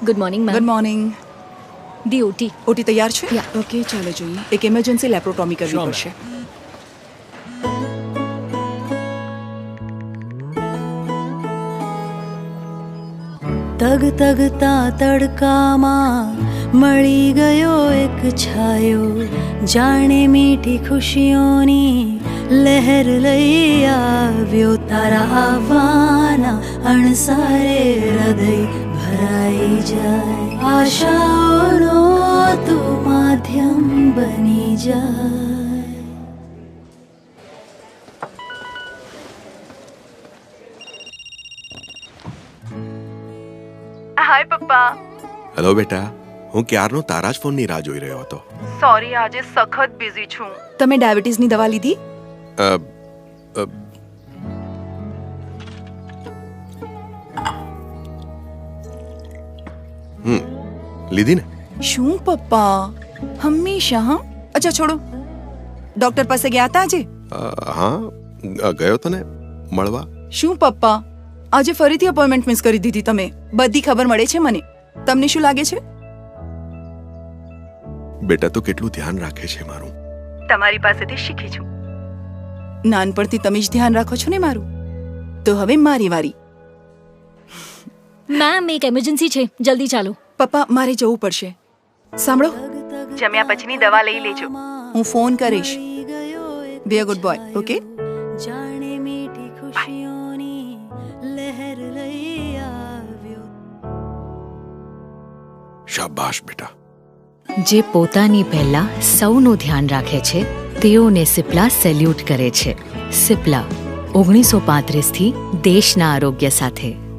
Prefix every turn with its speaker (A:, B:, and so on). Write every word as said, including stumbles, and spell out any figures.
A: Good morning ma'am.
B: Good morning.
A: The OT.
B: OT તૈયાર છે?
A: Yeah.
B: Okay, ચાલો જોઈએ. એક ઇમરજન્સી લેપ્રોટોમી કરવી
C: Sure,
B: પડશે.
D: તગ તગતા તડકામાં મળી ગયો એક છાયો, જાણે મીઠી ખુશીઓની લહેર લઈ આવ્યો. તારા આવવાના અણસારે હૃદય ભરાઈ જાય, આશાઓનો તું માધ્યમ બની જાય.
E: હાય પપ્પા.
F: હેલો બેટા, હું ક્યારનો તારા જ ફોનની રાહ જોઈ રહ્યો હતો.
E: સોરી, આજે સખત બિઝી છું.
B: તમે ડાયાબિટીસની દવા લીધી?
F: અ, અ, હમ લીધી ને?
B: શું પપ્પા, હંમેશા હા. અચ્છા છોડો, ડોક્ટર પાસે ગયા હતા આજે?
F: અ, હા અ, ગયો તો ને મળવા.
B: શું પપ્પા, આજે ફરીથી અપોઇન્ટમેન્ટ મિસ કરી દીધી તમે. બધી ખબર મળે છે મને. તમને શું લાગે છે?
F: બેટા તો કેટલું ધ્યાન રાખે છે મારું.
E: તમારી પાસેથી શીખી છું.
B: નાનપણથી તમે જ ધ્યાન રાખો છો ને મારું. તો હવે મારી વારી.
A: મેમ એક એમરજન્સી છે, જલ્દી ચાલો.
B: પપ્પા, મારે જવું પડશે. સાંભળો,
E: જમ્યા પછીની દવા લઈ લેજો.
B: હું ફોન કરીશ. Be a good boy, okay?
D: જાણે મીઠી ખુશીઓની લહેર લઈ આવ્યો.
F: શાબાશ બેટા.
G: જે પોતાની પહેલા સૌનું ધ્યાન રાખે છે તેઓને સિપ્લા સેલ્યુટ કરે છે. સિપ્લા ઓગણીસો પાંત્રીસ થી દેશના આરોગ્ય સાથે.